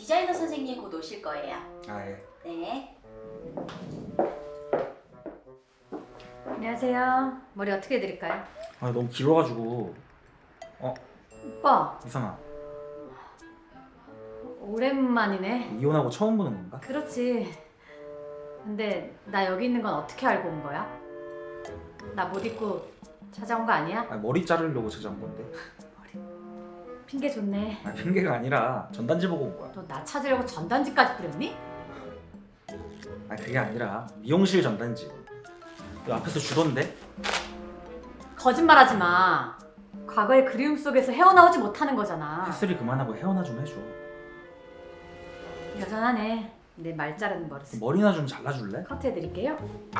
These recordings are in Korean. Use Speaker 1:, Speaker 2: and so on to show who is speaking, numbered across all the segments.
Speaker 1: 디자이너 선생님 곧 오실 거예요.
Speaker 2: 아 예.
Speaker 1: 네.
Speaker 3: 안녕하세요. 머리 어떻게 해드릴까요?
Speaker 2: 아 너무 길어가지고.
Speaker 3: 오빠,
Speaker 2: 이선아,
Speaker 3: 오랜만이네.
Speaker 2: 이혼하고 처음 보는 건가?
Speaker 3: 그렇지. 근데 나 여기 있는 건 어떻게 알고 온 거야? 나 못 입고 찾아온 거 아니야?
Speaker 2: 아, 머리 자르려고 찾아온 건데.
Speaker 3: 핑계 좋네.
Speaker 2: 아, 핑계가 아니라 전단지 보고 온 거야.
Speaker 3: 너 나 찾으려고 전단지까지 뿌렸니?
Speaker 2: 아 그게 아니라 미용실 전단지. 너 앞에서 주던데?
Speaker 3: 거짓말하지 마. 과거의 그리움 속에서 헤어나오지 못하는 거잖아.
Speaker 2: 햇소리 그만하고 헤어나 좀 해줘.
Speaker 3: 여전하네. 내 말 자르는 버릇.
Speaker 2: 머리나 좀 잘라줄래?
Speaker 3: 커트 해드릴게요.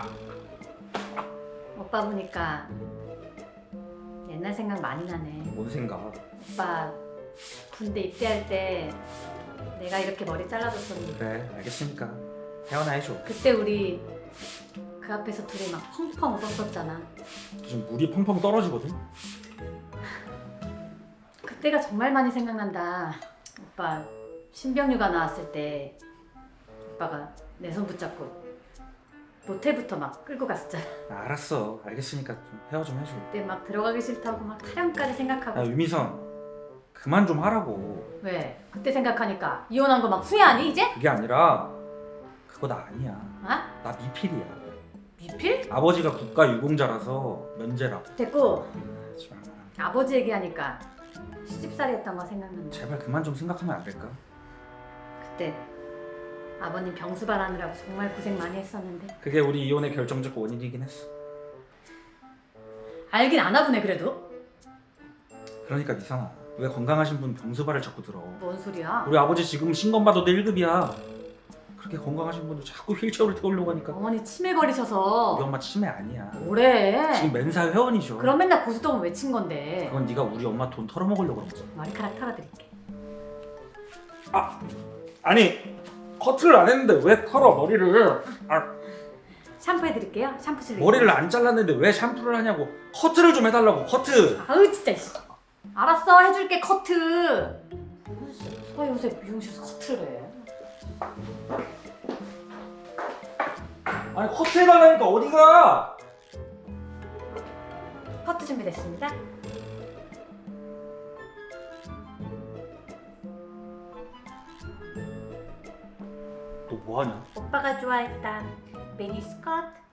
Speaker 3: 오빠 보니까 옛날 생각 많이 나네.
Speaker 2: 뭔 생각?
Speaker 3: 오빠 군대 입대할 때 내가 이렇게 머리 잘라줬었는데
Speaker 2: 그래 알겠으니까 헤어나 해줘.
Speaker 3: 그때 우리 그 앞에서 둘이 막 펑펑 웃었었잖아.
Speaker 2: 지금 물이 펑펑 떨어지거든?
Speaker 3: 그때가 정말 많이 생각난다. 오빠 신병휴가 나왔을 때 오빠가 내 손 붙잡고 모텔부터 막 끌고 갔었잖아.
Speaker 2: 아, 알았어 알겠으니까 좀 헤어 좀 해줘.
Speaker 3: 그때 막 들어가기 싫다고 막 타령까지 생각하고.
Speaker 2: 야 유미선 그만 좀 하라고.
Speaker 3: 왜? 그때 생각하니까 이혼한 거 막 후회하니 이제?
Speaker 2: 그게 아니라 그거 나 아니야.
Speaker 3: 아?
Speaker 2: 나 미필이야.
Speaker 3: 미필?
Speaker 2: 아버지가 국가 유공자라서 면제라고.
Speaker 3: 됐고
Speaker 2: 하지 마.
Speaker 3: 아버지 얘기하니까 시집살이 했던 거 생각난다.
Speaker 2: 제발 그만 좀 생각하면 안 될까?
Speaker 3: 그때 아버님 병수 바라느라고 정말 고생 많이 했었는데.
Speaker 2: 그게 우리 이혼의 결정적 원인이긴 했어.
Speaker 3: 알긴 아나 보네 그래도.
Speaker 2: 그러니까 이상아 왜 건강하신 분 병수발을 자꾸 들어.
Speaker 3: 뭔 소리야?
Speaker 2: 우리 아버지 지금 신검받아도 1급이야. 그렇게 건강하신 분들 자꾸 휠체어를 태우려고 하니까.
Speaker 3: 어머니 치매
Speaker 2: 우리
Speaker 3: 걸리셔서.
Speaker 2: 엄마 치매 아니야.
Speaker 3: 뭐래?
Speaker 2: 지금 멘사 회원이죠.
Speaker 3: 그럼 맨날 고수동은 외친 건데.
Speaker 2: 그건 네가 우리 엄마 돈 털어먹으려고 그런 거지.
Speaker 3: 머리카락 털어드릴게.
Speaker 2: 아니 커트를 안 했는데 왜 털어 머리를.
Speaker 3: 샴푸 해드릴게요. 샴푸 실리.
Speaker 2: 머리를 안 잘랐는데 왜 샴푸를 하냐고. 커트를 좀 해달라고. 커트.
Speaker 3: 아우 진짜. 씨. 알았어 해줄게 커트. 누가 요새 미용실에서 커트를 해?
Speaker 2: 아니 커트 해달라니까 어디가.
Speaker 3: 커트 준비됐습니다.
Speaker 2: 너 뭐하냐?
Speaker 3: 오빠가 좋아했던 미니스커트.